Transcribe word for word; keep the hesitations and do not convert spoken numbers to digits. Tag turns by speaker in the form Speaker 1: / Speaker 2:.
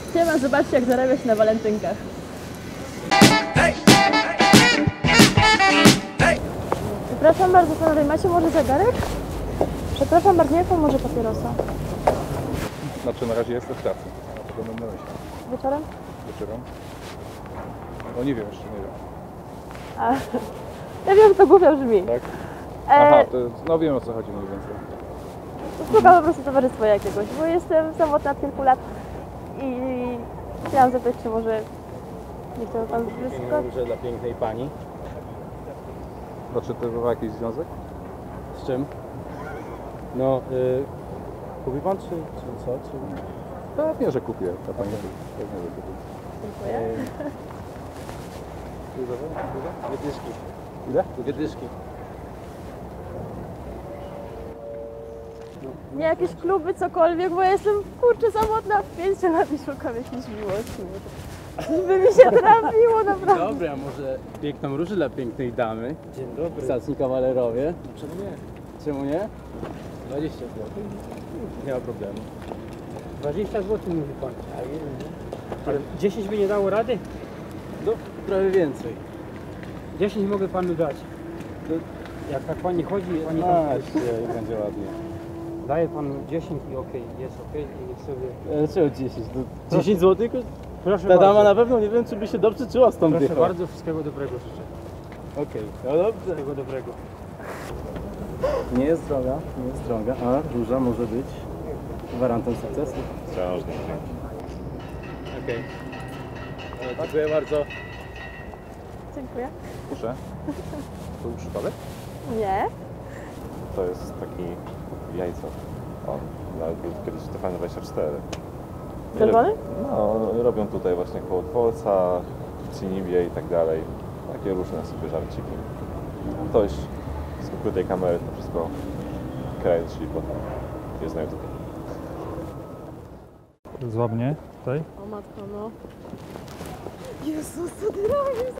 Speaker 1: Siema, zobaczcie jak zarabia się na walentynkach. Przepraszam bardzo panowie, macie może zegarek? Przepraszam bardzo, jaką może papierosa?
Speaker 2: Znaczy na razie jestem w pracy. A to będę myśleć.
Speaker 1: Wieczorem?
Speaker 2: Wieczorem? No nie wiem, jeszcze nie wiem.
Speaker 1: A, ja wiem, to głupio brzmi.
Speaker 2: Tak?
Speaker 1: E,
Speaker 2: Aha, to, no wiem o co chodzi mniej więcej.
Speaker 1: Szukam po prostu towarzystwa jakiegoś, bo jestem samotna od kilku lat i chciałam zapytać, czy może nie chciałby pan wyskać?
Speaker 3: Róże dla pięknej pani.
Speaker 2: Znaczy to ma jakiś związek?
Speaker 3: Z czym? No, y, kupi pan czy, czy co? Czy...
Speaker 2: Pewnie, że kupię. Ta pani pewnie, że kupię.
Speaker 1: Dziękuję.
Speaker 3: Dwie dyszki.
Speaker 2: Ile?
Speaker 3: Dwie dyszki.
Speaker 1: Nie jakieś kluby, cokolwiek, bo ja jestem kurczę samotna w pięciu lat i szukam jakiejś miłości. Żeby mi się trafiło, naprawdę.
Speaker 3: Dobra, może piękną różę dla pięknej damy.
Speaker 4: Dzień dobry.
Speaker 3: Staczni kawalerowie.
Speaker 4: Czemu nie?
Speaker 3: Czemu nie?
Speaker 4: dwadzieścia złotych?
Speaker 3: Nie ma problemu.
Speaker 4: dwadzieścia złotych mówi pan. Ale dziesięć by nie dało rady?
Speaker 3: No, prawie więcej.
Speaker 4: dziesięć mogę panu dać. Jak tak pani chodzi, pani tam
Speaker 3: Macie i będzie ładnie.
Speaker 4: daje panu dziesięć i okej, jest okej i niech sobie...
Speaker 3: E, Czego dziesięć? To dziesięć złotych?
Speaker 4: Proszę
Speaker 3: Ta dama
Speaker 4: bardzo.
Speaker 3: na pewno nie wiem, czy by się dobrze czuła z tą
Speaker 4: Proszę
Speaker 3: dychą.
Speaker 4: bardzo, wszystkiego dobrego życzę.
Speaker 3: Okej, no dobrze.
Speaker 4: Wszystkiego dobrego.
Speaker 3: Nie jest droga, nie jest droga, a róża może być gwarantem sukcesu.
Speaker 2: Książnik.
Speaker 3: Okej. Okay. Dziękuję bardzo.
Speaker 1: Dziękuję.
Speaker 2: Proszę. To był przypadek?
Speaker 1: Nie.
Speaker 5: To jest taki jajco. On nawet był kiedyś w T V N dwadzieścia cztery.
Speaker 1: Czerwony?
Speaker 5: No, robią tutaj właśnie koło dworca, w Cinibie i tak dalej. Takie różne sobie żarciki. Ktoś z ukrytej kamery to wszystko kręci, bo jest na YouTube.
Speaker 6: Złap mnie tutaj.
Speaker 1: O matko, no. Jezus, co ty robisz?